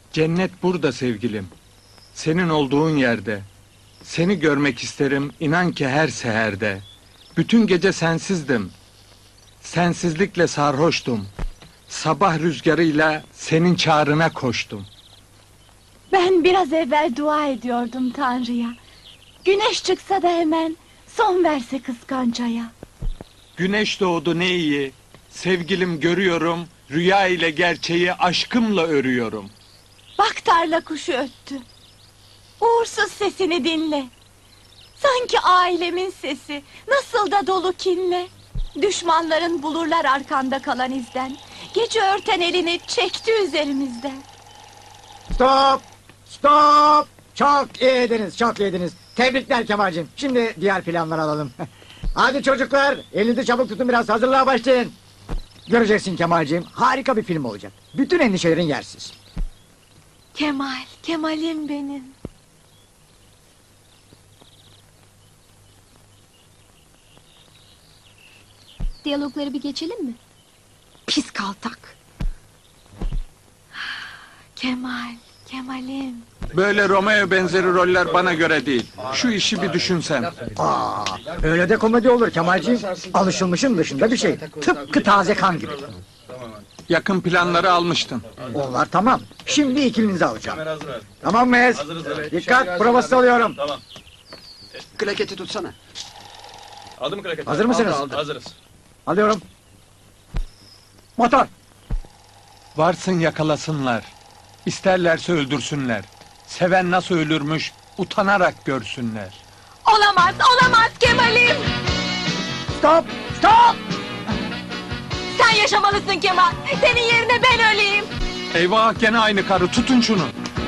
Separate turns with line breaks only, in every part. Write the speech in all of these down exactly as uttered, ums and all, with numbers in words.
Cennet burada sevgilim. Senin olduğun yerde. Seni görmek isterim inan ki her seherde. Bütün gece sensizdim. Sensizlikle sarhoştum. Sabah rüzgarıyla senin çağrına koştum.
Ben biraz evvel dua ediyordum Tanrı'ya. Güneş çıksa da hemen son verse kıskancaya.
Güneş doğdu ne iyi. Sevgilim görüyorum. Rüya ile gerçeği aşkımla örüyorum.
Bak tarla kuşu öttü. Uğursuz sesini dinle. Sanki ailemin sesi, nasıl da dolu kinle. Düşmanların bulurlar arkanda kalan izden. Gece örten elini çekti üzerimizden.
Stop! Stop! Çok iyiydiniz, çok iyiydiniz. Tebrikler Kemal'cim. Şimdi diğer planları alalım. Hadi çocuklar, elinizi çabuk tutun, biraz hazırlığa başlayın. Göreceksin Kemal'cim, harika bir film olacak. Bütün endişelerin yersiz.
Kemal, Kemal'im benim.
Diyalogları bir geçelim mi?
Pis kaltak. Kemal, Kemal'im.
Böyle Romeo benzeri roller bana göre değil. Şu işi bir düşünsen.
Aa, öyle de komedi olur Kemal'cim. Alışılmışın dışında bir şey. Tıpkı taze kan gibi.
Yakın planları almıştın.
Onlar tamam. Şimdi ikilinizi alacağım. Tamam mıyız? Dikkat, provası alıyorum.
Tamam.
Klaketi tutsana.
Aldı mı klaket?
Hazır mısınız?
Aldı, aldı. Hazırız.
Alıyorum. Motor.
Varsın yakalasınlar. İsterlerse öldürsünler. Seven nasıl ölürmüş utanarak görsünler.
Olamaz, olamaz Kemal'im.
Stop! Stop!
Sen yaşamalısın Kemal. Senin yerine ben öleyim.
Eyvah gene aynı karı, tutun şunu.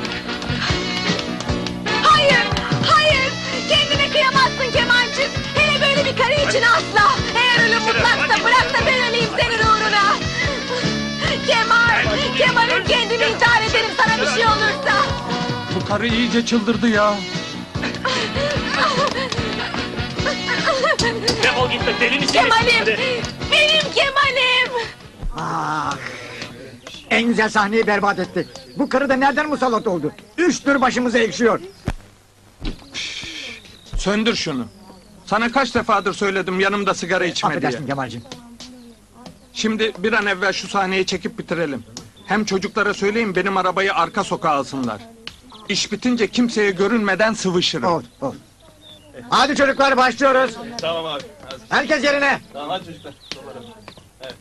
Hayır, hayır. Kendine kıyamazsın Kemal'cim. Hele böyle bir karı için asla. Eğer ölüm mutlaksa bırak da ben öleyim senin uğruna. Kemal, Kemal'im kendimi intihar ederim sana bir şey olursa.
Bu karı iyice çıldırdı ya.
Defol git be deli misin?
Kemal'im, benim Kemal'im.
Ah! En güzel sahneyi berbat etti. Bu karı da nereden musallat oldu? Üç tür başımıza ekşiyor.
Söndür şunu. Sana kaç defadır söyledim yanımda sigara içme diye.
Affedersin Kemal'cim.
Şimdi bir an evvel şu sahneyi çekip bitirelim. Hem çocuklara söyleyin benim arabayı arka sokağa alsınlar. İş bitince kimseye görünmeden sıvışırım.
Ol, ol. Hadi çocuklar başlıyoruz.
Tamam abi. Hazır.
Herkes yerine.
Tamam hadi çocuklar. Dolarım. Evet.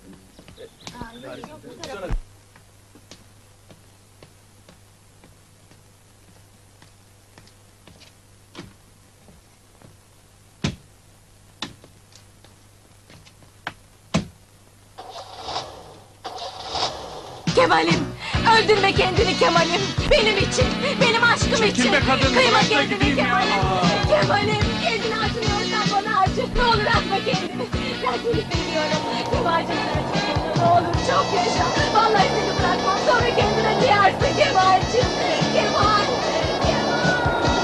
Kemal'im, öldürme kendini Kemal'im. Benim için, benim aşkım
Çekil
için.
be kadın,
Kıyma
bırak da
kendini
gideyim ya.
Kemal'im. Kemal'im, kendini acınıyorsan bana acı. Ne olur atma kendini. Ben seni seviyorum. Kemal'cim sana çok Ne olur çok yaşa. Vallahi seni bırakmam. Sonra kendine kıyarsın Kemal'cim. Kemal. Kemal.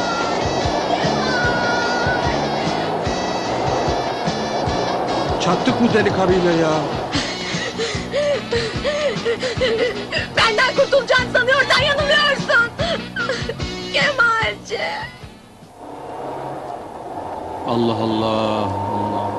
Çattık bu deli karıyla ya.
Benden kurtulacağını sanıyorsan yanılıyorsun. Kemal'cim.
Allah Allah Allah.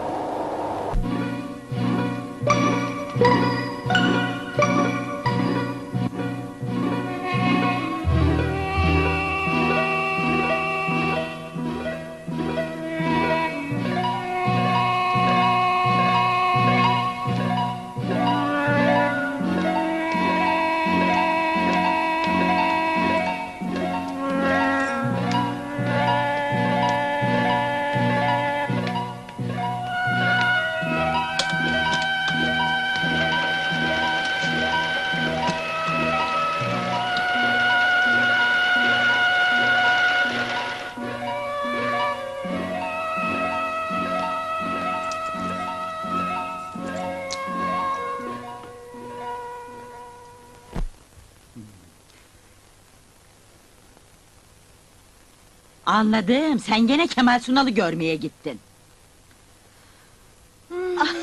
Anladım, sen gene Kemal Sunal'ı görmeye gittin.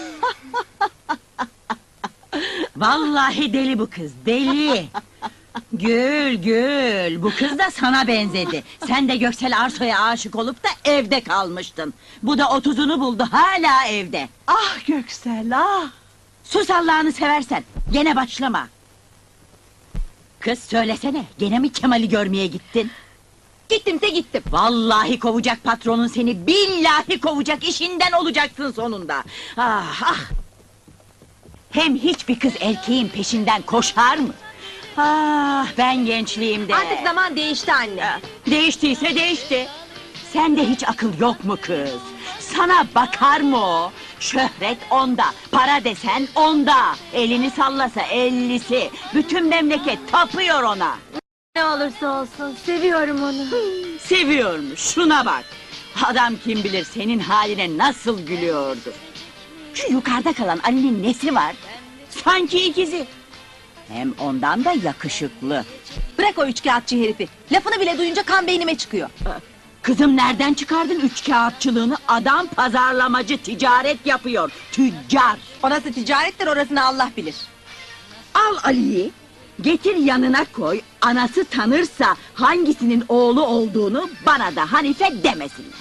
Vallahi deli bu kız, deli! Gül gül, bu kız da sana benzedi. Sen de Göksel Arso'ya aşık olup da evde kalmıştın. Bu da otuzunu buldu, hala evde.
Ah Göksel ah!
Sus Allah'ını seversen, gene başlama. Kız söylesene, gene mi Kemal'i görmeye gittin?
Gittimse gittim.
Vallahi kovacak patronun seni, billahi kovacak, işinden olacaksın sonunda. Ah ah! Hem hiçbir kız erkeğin peşinden koşar mı? Ah, ben gençliğimde...
Artık zaman değişti anne.
Değiştiyse değişti. Sende hiç akıl yok mu kız? Sana bakar mı o? Şöhret onda, para desen onda. Elini sallasa ellisi. Bütün memleket tapıyor ona.
Ne olursa olsun seviyorum onu.
Seviyormuş, şuna bak. Adam kim bilir senin haline nasıl gülüyordu. Şu yukarıda kalan Ali'nin nesi var? Sanki ikizi. Hem ondan da yakışıklı.
Bırak o üçkağıtçı herifi. Lafını bile duyunca kan beynime çıkıyor.
Kızım nereden çıkardın üç kağıtçılığını? Adam pazarlamacı, ticaret yapıyor. Tüccar.
Orası ticarettir, orasını Allah bilir.
Al Ali'yi, getir yanına koy. Anası tanırsa hangisinin oğlu olduğunu bana da Hanife demesinler.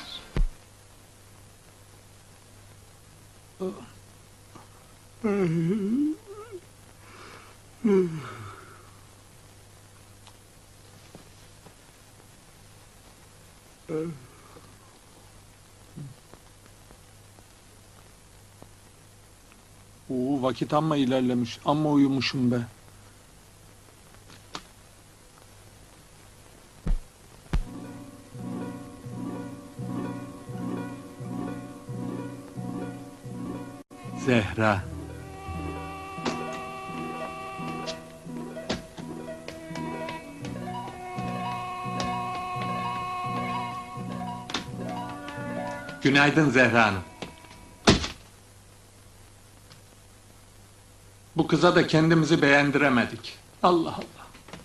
Oo, vakit amma ilerlemiş. Amma uyumuşum be. Zehra. Günaydın Zehra Hanım. Bu kıza da kendimizi beğendiremedik. Allah Allah.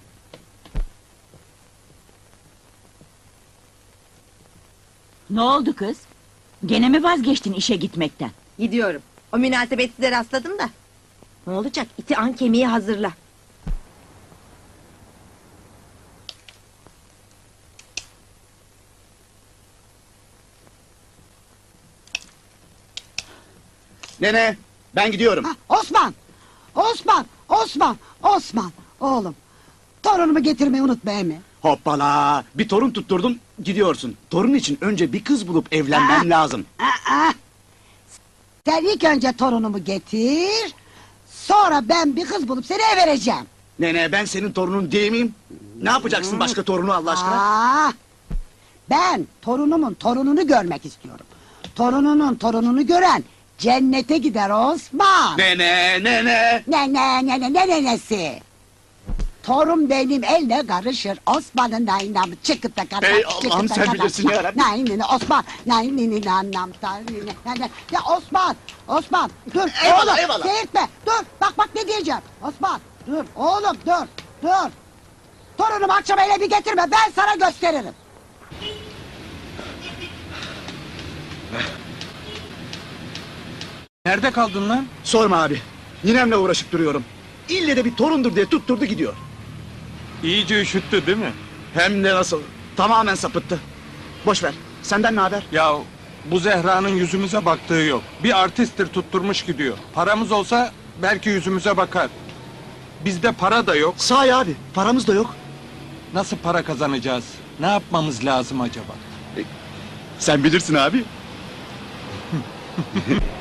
Ne oldu kız? Gene mi vazgeçtin işe gitmekten?
Gidiyorum. O münasebetsize rastladım da. Ne olacak? İti an kemiği hazırla.
Nene, ben gidiyorum.
Osman! Osman! Osman! Osman! Oğlum! Torunumu getirmeyi unutma emi.
Hoppala! Bir torun tutturdum, gidiyorsun. Torun için önce bir kız bulup evlenmem
Aa!
lazım.
Aa! Sen ilk önce torunumu getir. Sonra ben bir kız bulup seni eve vereceğim.
Nene, ben senin torunun değil miyim? Ne yapacaksın başka torunu Allah aşkına?
Aa! Ben torunumun torununu görmek istiyorum. Torununun torununu gören cennete gider Osman.
Nene, nene!
Ne ne ne ne ne nenesi? Torun benim elle karışır. Osman'ın naynamı çıkıp da kadar.
Ey Allah'ım, sen bilirsin ya Rabbi.
Naynini Osman. Naynini nanam tarihini. Ya Osman. Osman dur.
Eyvallah,
oğlum,
eyvallah.
Seyirtme. Dur. Bak bak ne diyeceğim. Osman dur. Oğlum dur. Dur. Torunumu akşam ele bir getirme. Ben sana gösteririm.
Nerede kaldın lan?
Sorma abi. Ninemle uğraşıp duruyorum. İlle de bir torundur diye tutturdu gidiyor.
İyice üşüttü değil mi?
Hem de nasıl? Tamamen sapıttı. Boş ver. Senden ne haber?
Ya bu Zehra'nın yüzümüze baktığı yok. Bir artisttir tutturmuş gidiyor. Paramız olsa belki yüzümüze bakar. Bizde para da yok.
Sahi abi, paramız da yok.
Nasıl para kazanacağız? Ne yapmamız lazım acaba?
Sen bilirsin abi.